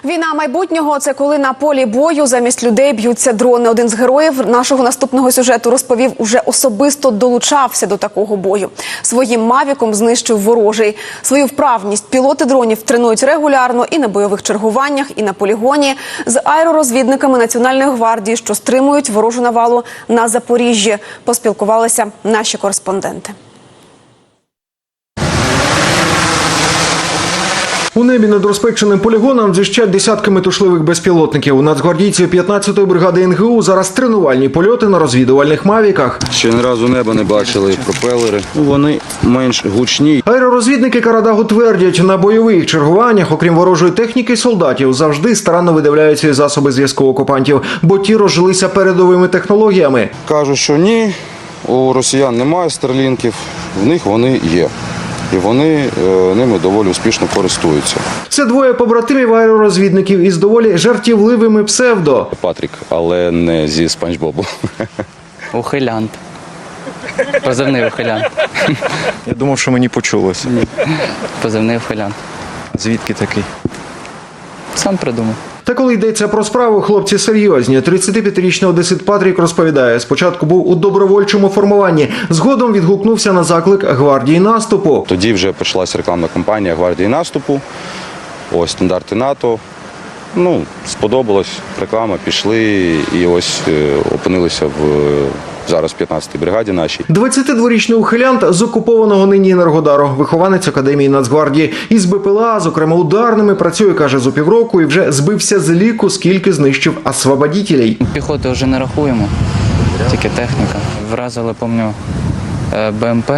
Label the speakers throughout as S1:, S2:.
S1: Війна майбутнього – це коли на полі бою замість людей б'ються дрони. Один з героїв нашого наступного сюжету розповів, уже особисто долучався до такого бою. Своїм мавіком знищив ворожий. Свою вправність пілоти дронів тренують регулярно і на бойових чергуваннях, і на полігоні з аеророзвідниками Національної гвардії, що стримують ворожу навалу на Запоріжжі. Поспілкувалися наші кореспонденти.
S2: У небі над розпеченим полігоном дзищать десятки метушливих безпілотників. У нацгвардійців 15-ї бригади НГУ зараз тренувальні польоти на розвідувальних мавіках.
S3: Ще ні разу неба не бачили, пропелери. Вони менш гучні.
S2: Аеророзвідники Карадагу твердять, на бойових чергуваннях, окрім ворожої техніки, солдатів завжди старанно видивляються і засоби зв'язку окупантів, бо ті розжилися передовими технологіями.
S3: Кажуть, що ні, у росіян немає старлінків, в них вони є. І вони ними доволі успішно користуються.
S2: Це двоє побратимів аеророзвідників із доволі жартівливими псевдо.
S3: Патрік, але не зі Спанч Бобу.
S4: Ухилянт. Позивний ухилянт.
S5: Я думав, що мені почулося.
S4: Позивний ухилянт.
S5: Звідки такий?
S4: Сам придумав.
S2: Та коли йдеться про справу, хлопці серйозні. 35-річний одесит Патрік розповідає, спочатку був у добровольчому формуванні, згодом відгукнувся на заклик гвардії наступу.
S3: Тоді вже почалась рекламна кампанія гвардії наступу, ось стандарти НАТО. Сподобалось, реклама, пішли і ось опинилися зараз в 15-й бригаді нашій.
S2: 22-річний ухилянт з окупованого нині Енергодару, вихованець Академії Нацгвардії. Із БПЛА, зокрема ударними, працює, каже, з півроку і вже збився з ліку, скільки знищив освободітелей.
S4: Піхоту вже не рахуємо, тільки техніка. Вразили, пам'ятаю, БМП,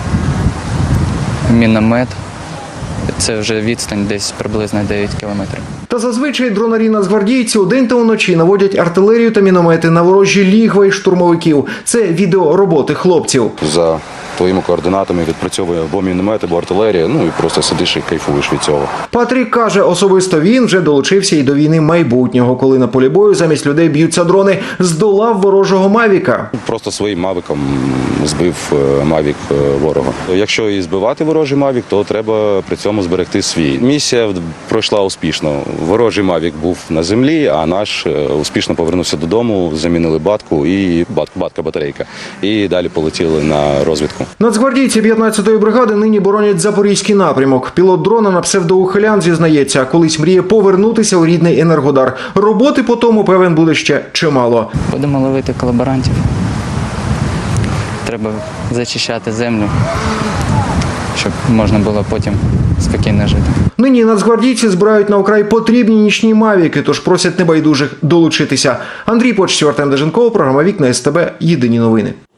S4: міномет. Це вже відстань десь приблизно 9 кілометрів.
S2: Та зазвичай дронарі нацгвардійці удень та уночі наводять артилерію та міномети на ворожі лігва і штурмовиків. Це відео роботи хлопців.
S3: За твоїми координатами відпрацьовує або міномет, або артилерія, і просто сидиш і кайфуєш від цього.
S2: Патрік каже, особисто він вже долучився і до війни майбутнього, коли на полі бою замість людей б'ються дрони, здолав ворожого мавіка.
S3: Просто своїм мавіком збив мавік ворога. Якщо і збивати ворожий мавік, то треба при цьому зберегти свій. Місія пройшла успішно. Ворожий мавік був на землі, а наш успішно повернувся додому, замінили батку і батка-батарейка. І далі полетіли на розвідку.
S2: Нацгвардійці 15-ї бригади нині боронять Запорізький напрямок. Пілот дрона на псевдоухилян зізнається, колись мріє повернутися у рідний Енергодар. Роботи по тому, певен, буде ще чимало.
S4: Будемо ловити колаборантів. Треба зачищати землю, щоб можна було потім спокійно жити.
S2: Нині нацгвардійці збирають на окрай потрібні нічні мавіки, тож просять небайдужих долучитися. Андрій Почтів, Артем Деженков, програма «Вікна СТБ». Єдині новини.